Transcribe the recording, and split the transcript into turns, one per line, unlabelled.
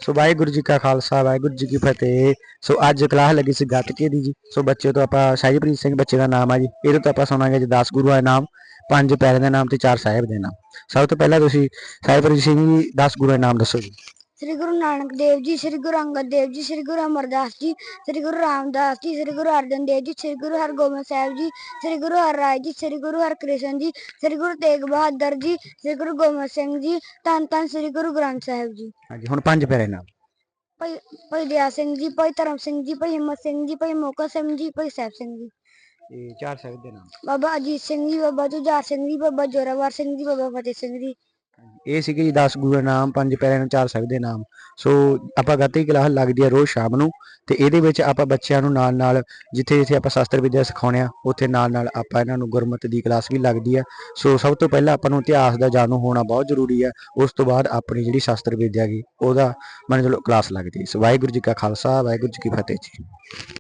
ਸੋ ਵਾਹਿਗੁਰੂ ਜੀ ਕਾ ਖਾਲਸਾ ਵਾਹਿਗੁਰੂ ਜੀ ਕੀ ਫਤਿਹ। ਸੋ ਅੱਜ ਕਲਾਸ ਲੱਗੀ ਸੀ ਗੱਤਕੇ ਦੀ ਜੀ। ਸੋ ਬੱਚੇ ਤੋਂ ਆਪਾਂ ਸ਼ਾਹੀਪ੍ਰੀਤ ਸਿੰਘ ਬੱਚੇ ਦਾ ਨਾਮ ਆ ਜੀ। ਇਹਦੇ ਤੋਂ ਆਪਾਂ ਸੁਣਾਂਗੇ ਜੀ 10 ਗੁਰੂਆਂ ਦੇ ਨਾਮ, 5 ਪਿਆਰਿਆਂ ਦੇ ਨਾਮ ਤੇ 4 ਸਾਹਿਬ ਦੇ ਨਾਮ। ਸਭ ਤੋਂ ਪਹਿਲਾਂ ਤੁਸੀਂ ਸ਼ਾਹੀਪ੍ਰੀਤ ਸਿੰਘ ਜੀ 10 ਗੁਰੂਆਂ ਦੇ ਨਾਮ ਦੱਸੋ ਜੀ।
ਸ੍ਰੀ ਗੁਰੂ ਨਾਨਕ ਦੇਵ ਜੀ, ਸ੍ਰੀ ਗੁਰੂ ਅੰਗਦ ਦੇਵ ਜੀ, ਸ੍ਰੀ ਗੁਰੂ ਅਮਰਦਾਸ ਜੀ, ਸ੍ਰੀ ਗੁਰੂ ਰਾਮਦਾਸ ਜੀ, ਸ੍ਰੀ ਗੁਰੂ ਅਰਜਨ ਦੇਵ ਜੀ, ਸ੍ਰੀ ਗੁਰੂ ਹਰਗੋਬਿੰਦ ਸਾਹਿਬ ਜੀ, ਸ੍ਰੀ ਗੁਰੂ ਹਰਿਰਾਏ ਜੀ, ਸ੍ਰੀ ਗੁਰੂ ਹਰਕ੍ਰਿਸ਼ਨ ਜੀ, ਸ੍ਰੀ ਗੁਰੂ ਤੇਗ ਬਹਾਦਰ ਜੀ, ਸ੍ਰੀ ਗੁਰੂ ਗੋਬਿੰਦ ਸਿੰਘ ਜੀ, ਧੰਨ ਧੰਨ ਸ੍ਰੀ ਗੁਰੂ ਗ੍ਰੰਥ ਸਾਹਿਬ ਜੀ।
ਹਾਂਜੀ, ਹੁਣ 5 ਪਿਆਰਿਆਂ ਦੇ ਨਾਮ।
ਭਾਈ ਦਇਆ ਸਿੰਘ ਜੀ, ਭਾਈ ਧਰਮ ਸਿੰਘ ਜੀ, ਭਾਈ ਹਿੰਮਤ ਸਿੰਘ ਜੀ, ਭਾਈ ਮੋਹਕਮ ਸਿੰਘ ਜੀ, ਭਾਈ ਸਾਹਿਬ ਸਿੰਘ ਜੀ।
ਇਹ 4 ਸਾਹਿਬ ਦੇ ਨਾਮ।
ਬਾਬਾ ਅਜੀਤ ਸਿੰਘ ਜੀ, ਬਾਬਾ ਜੁਝਾਰ ਸਿੰਘ ਜੀ, ਬਾਬਾ ਜ਼ੋਰਾਵਰ ਸਿੰਘ ਜੀ, ਬਾਬਾ ਫਤਿਹ ਸਿੰਘ ਜੀ।
ਇਹ ਸੀਗੇ ਜੀ 10 ਗੁਰੂਆਂ ਦੇ ਨਾਮ, 5 ਪਿਆਰਿਆਂ ਦੇ 4 ਸਾਹਿਬ ਦੇ ਨਾਮ। ਸੋ ਆਪਾਂ ਗੱਤਕੇ ਦੀ ਕਲਾਸ ਲੱਗਦੀ ਆ ਰੋਜ਼ ਸ਼ਾਮ ਨੂੰ, ਤੇ ਇਹਦੇ ਵਿੱਚ ਆਪਾਂ ਬੱਚਿਆਂ ਨੂੰ ਨਾਲ ਨਾਲ ਜਿੱਥੇ ਜਿੱਥੇ ਆਪਾਂ ਸ਼ਾਸਤਰ ਵਿਦਿਆ ਸਿਖਾਉਂਦੇ ਆ ਉੱਥੇ ਨਾਲ ਨਾਲ ਆਪਾਂ ਇਹਨਾਂ ਨੂੰ ਗੁਰਮਤਿ ਦੀ ਕਲਾਸ ਵੀ ਲੱਗਦੀ ਆ। ਸੋ ਸਭ ਤੋਂ ਪਹਿਲਾਂ ਆਪਾਂ ਨੂੰ ਇਤਿਹਾਸ ਦਾ ਜਾਣੂ ਹੋਣਾ ਬਹੁਤ ਜ਼ਰੂਰੀ ਆ। ਉਸ ਤੋਂ ਬਾਅਦ ਆਪਣੀ ਜਿਹੜੀ ਸ਼ਾਸਤਰ ਵਿਦਿਆ ਗੀ ਉਹਦਾ ਮੰਨ ਚਲੋ ਕਲਾਸ ਲੱਗਦੀ। ਸੋ ਵਾਹਿਗੁਰੂ ਜੀ ਕਾ ਖਾਲਸਾ ਵਾਹਿਗੁਰੂ ਜੀ ਕੀ ਫਤਿਹ ਜੀ।